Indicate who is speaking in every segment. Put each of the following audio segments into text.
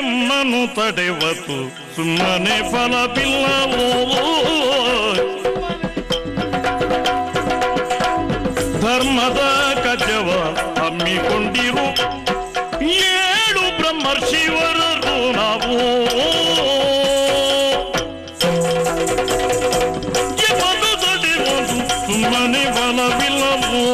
Speaker 1: ಕೆಮ್ಮನು ತಡೆವತು ಸುಮ್ಮನೆ ಫಲವಿಲ್ಲವೋ. ಧರ್ಮದ ಕಜವ ಹಮ್ಮಿಕೊಂಡಿರು 7 ಬ್ರಹ್ಮರ್ಷಿವರರು ನಾವು. ಕೆಮ್ಮನು ತಡೆವತು ಸುಮ್ಮನೆ ಫಲವಿಲ್ಲವೋ.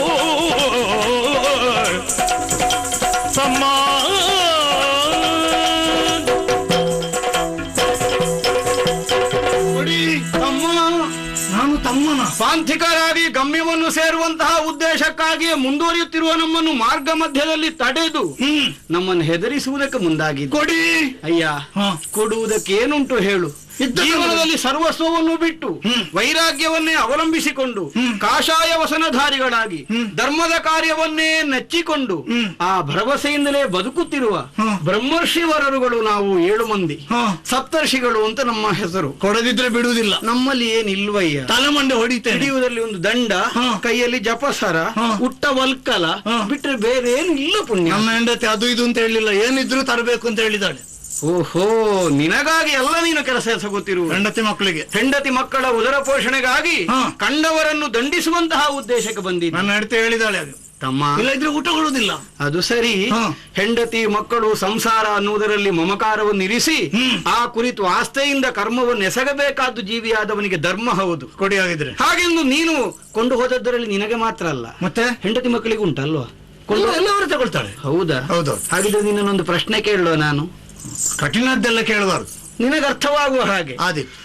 Speaker 2: ಪಾಂಥಿಕರಾಗಿ ಗಮ್ಯವನ್ನು ಸೇರುವಂತಹ ಉದ್ದೇಶಕ್ಕಾಗಿಯೇ ಮುಂದುವರಿಯುತ್ತಿರುವ ನಮ್ಮನ್ನು ಮಾರ್ಗ ಮಧ್ಯದಲ್ಲಿ ತಡೆದು ನಮ್ಮನ್ನು ಹೆದರಿಸುವುದಕ್ಕೆ ಮುಂದಾಗಿ
Speaker 3: ಕೊಡಿ.
Speaker 2: ಅಯ್ಯ, ಕೊಡುವುದಕ್ಕೆ ಏನುಂಟು ಹೇಳು? ಜೀವನದಲ್ಲಿ ಸರ್ವಸ್ವವನ್ನು ಬಿಟ್ಟು ವೈರಾಗ್ಯವನ್ನೇ ಅವಲಂಬಿಸಿಕೊಂಡು ಕಾಷಾಯ ವಸನಧಾರಿಗಳಾಗಿ ಧರ್ಮದ ಕಾರ್ಯವನ್ನೇ ನೆಚ್ಚಿಕೊಂಡು ಆ ಭರವಸೆಯಿಂದಲೇ ಬದುಕುತ್ತಿರುವ ಬ್ರಹ್ಮರ್ಷಿವರರುಗಳು ನಾವು 7 ಮಂದಿ. ಸಪ್ತರ್ಷಿಗಳು ಅಂತ ನಮ್ಮ ಹೆಸರು.
Speaker 3: ಕೊಡದಿದ್ರೆ ಬಿಡುವುದಿಲ್ಲ.
Speaker 2: ನಮ್ಮಲ್ಲಿ ಏನಿಲ್ವಯ್ಯ.
Speaker 3: ತಲೆಮಂಡೆ ಹೊಡಿತೇನೆ.
Speaker 2: ಹಿಡಿಯುವುದರಲ್ಲಿ ಒಂದು ದಂಡ, ಕೈಯಲ್ಲಿ ಜಪಸರ, ಉಟ್ಟ ವಲ್ಕಲ ಬಿಟ್ರೆ ಬೇರೆ ಏನು ಇಲ್ಲ ಪುಣ್ಯ.
Speaker 3: ನಮ್ಮ ಹೆಂಡತಿ ಅದು ಇದು ಅಂತ ಹೇಳಿಲ್ಲ, ಏನಿದ್ರು ತರಬೇಕು ಅಂತ ಹೇಳಿದಾಳೆ.
Speaker 2: ಓಹೋ, ನಿನಗಾಗಿ ಎಲ್ಲ ನೀನು ಕೆಲಸ ಎಸಗುತ್ತಿರುವ. ಹೆಂಡತಿ ಮಕ್ಕಳ ಉದರ ಪೋಷಣೆಗಾಗಿ ಕಂಡವರನ್ನು ದಂಡಿಸುವಂತಹ ಉದ್ದೇಶಕ್ಕೆ ಬಂದಿದ್ದ
Speaker 3: ನನ್ನ ಹೆಂಡತಿ ಹೇಳಿದಾಳೆ. ಅದು
Speaker 2: ತಮ್ಮ
Speaker 3: ಇಲ್ಲ ಇದ್ರೆ ಊಟ ಕೊಡುವುದಿಲ್ಲ.
Speaker 2: ಅದು ಸರಿ. ಹೆಂಡತಿ ಮಕ್ಕಳು ಸಂಸಾರ ಅನ್ನುವುದರಲ್ಲಿ ಮಮಕಾರವನ್ನು ಇರಿಸಿ ಆ ಕುರಿತು ಆಸ್ಥೆಯಿಂದ ಕರ್ಮವನ್ನು ಎಸಗಬೇಕಾದ್ದು ಜೀವಿಯಾದವನಿಗೆ ಧರ್ಮ. ಹೌದು,
Speaker 3: ಕೊಡಿ ಆಗಿದ್ರೆ.
Speaker 2: ಹಾಗೆಂದು ನೀನು ಕೊಂಡು ಹೋದದ್ದರಲ್ಲಿ ನಿನಗೆ ಮಾತ್ರ ಅಲ್ಲ, ಮತ್ತೆ ಹೆಂಡತಿ ಮಕ್ಕಳಿಗೆ ಉಂಟಲ್ವಾ?
Speaker 3: ಎಲ್ಲವರು ತಗೊಳ್ತಾಳೆ.
Speaker 2: ಹೌದಾ?
Speaker 3: ಹೌದು.
Speaker 2: ಹಾಗಿದ್ರೆ ನಿನ್ನೊಂದು ಪ್ರಶ್ನೆ ಕೇಳುವ ನಾನು.
Speaker 3: ಕಠಿಣದ್ದೆಲ್ಲ ಕೇಳಬಾರದು,
Speaker 2: ನಿನಗೆ ಅರ್ಥವಾಗುವ ಹಾಗೆ.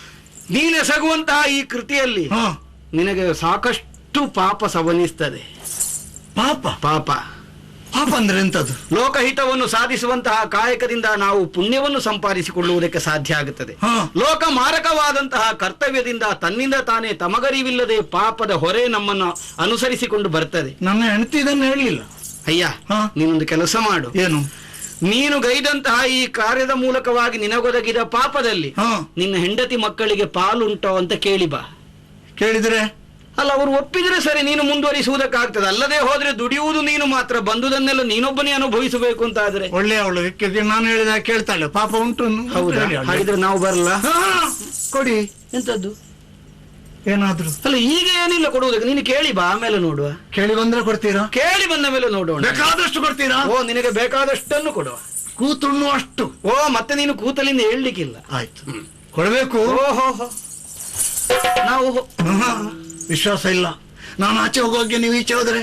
Speaker 2: ನೀನೆಸಗುವಂತಹ ಈ ಕೃತಿಯಲ್ಲಿ ನಿನಗೆ ಸಾಕಷ್ಟು ಪಾಪ ಸವನಿಸ್ತದೆ.
Speaker 3: ಪಾಪ
Speaker 2: ಪಾಪ
Speaker 3: ಪಾಪ ಅಂದ್ರೆ ಎಂತದ್ದು?
Speaker 2: ಲೋಕಹಿತವನ್ನು ಸಾಧಿಸುವಂತಹ ಕಾಯಕದಿಂದ ನಾವು ಪುಣ್ಯವನ್ನು ಸಂಪಾದಿಸಿಕೊಳ್ಳುವುದಕ್ಕೆ ಸಾಧ್ಯ ಆಗುತ್ತದೆ. ಲೋಕ ಮಾರಕವಾದಂತಹ ಕರ್ತವ್ಯದಿಂದ ತನ್ನಿಂದ ತಾನೇ ತಮಗರಿವಿಲ್ಲದೆ ಪಾಪದ ಹೊರೆ ನಮ್ಮನ್ನು ಅನುಸರಿಸಿಕೊಂಡು ಬರ್ತದೆ.
Speaker 3: ನನ್ನ ಹೆಂಡತಿ ಇದನ್ನು ಹೇಳಲಿಲ್ಲ.
Speaker 2: ಅಯ್ಯ, ನೀನೊಂದು ಕೆಲಸ ಮಾಡು.
Speaker 3: ಏನು?
Speaker 2: ನೀನು ಗೈದಂತಹ ಈ ಕಾರ್ಯದ ಮೂಲಕವಾಗಿ ನಿನಗೊದಗಿದ ಪಾಪದಲ್ಲಿ ನಿನ್ನ ಹೆಂಡತಿ ಮಕ್ಕಳಿಗೆ ಪಾಲುಂಟೋ ಅಂತ ಕೇಳಿ ಬಾ.
Speaker 3: ಕೇಳಿದ್ರೆ
Speaker 2: ಅಲ್ಲ, ಅವರು ಒಪ್ಪಿದ್ರೆ ಸರಿ, ನೀನು ಮುಂದುವರಿಸುವುದಕ್ಕಾಗ್ತದೆ. ಅಲ್ಲದೆ ಹೋದ್ರೆ ದುಡಿಯುವುದು ನೀನು ಮಾತ್ರ, ಬಂದುದನ್ನೆಲ್ಲ ನೀನೊಬ್ಬನೇ ಅನುಭವಿಸಬೇಕು ಅಂತ ಆದ್ರೆ.
Speaker 3: ಒಳ್ಳೆ ಅವಳು ನಾನು ಹೇಳಿದ ಕೇಳ್ತಾಳೆ. ಪಾಪ ಉಂಟು.
Speaker 2: ಹೌದಾ? ಹಾಗಿದ್ರೆ ನಾವು ಬರಲ್ಲ.
Speaker 3: ಕೊಡಿ.
Speaker 2: ಎಂತದ್ದು?
Speaker 3: ಏನಾದ್ರು?
Speaker 2: ಅಲ್ಲ, ಈಗ ಏನಿಲ್ಲ ಕೊಡುವುದಕ್ಕೆ. ನೀನು ಕೇಳಿ ಬಾ, ಆಮೇಲೆ ನೋಡುವ.
Speaker 3: ಕೇಳಿ ಬಂದ್ರೆ ಕೊಡ್ತೀರಾ?
Speaker 2: ಕೇಳಿ ಬಂದ ಮೇಲೆ ನೋಡೋಣ.
Speaker 3: ಬೇಕಾದಷ್ಟು ಕೊಡ್ತೀರಾ?
Speaker 2: ಓ, ನಿನಗೆ ಬೇಕಾದಷ್ಟನ್ನು ಕೊಡುವ.
Speaker 3: ಕೂತುಣ್ಣು ಅಷ್ಟು.
Speaker 2: ಓ, ಮತ್ತೆ ನೀನು ಕೂತಲಿಂದ ಹೇಳಲಿಕ್ಕಿಲ್ಲ.
Speaker 3: ಆಯ್ತು, ಕೊಡಬೇಕು.
Speaker 2: ಓಹೋ, ನಾವು
Speaker 3: ವಿಶ್ವಾಸ ಇಲ್ಲ. ನಾನು ಆಚೆ ಹೋಗೋಕೆ ನೀವು ಈಚೆ ಹೋದ್ರೆ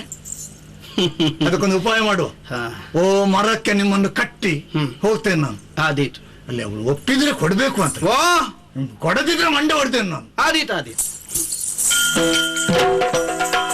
Speaker 3: ಅದಕ್ಕೊಂದು ಉಪಾಯ ಮಾಡುವ. ಓ, ಮರಕ್ಕೆ ನಿಮ್ಮನ್ನು ಕಟ್ಟಿ ಹೋಗ್ತೇನೆ ನಾನು.
Speaker 2: ಆದೀತು.
Speaker 3: ಅಲ್ಲಿ ಅವಳು ಒಪ್ಪಿದ್ರೆ ಕೊಡ್ಬೇಕು ಅಂತ.
Speaker 2: ಓ,
Speaker 3: ಕೊಡದಿದ್ರೆ ಮಂಡೆ ಹೊಡ್ತೇನೆ ನಾನು.
Speaker 2: ಆದೀತು.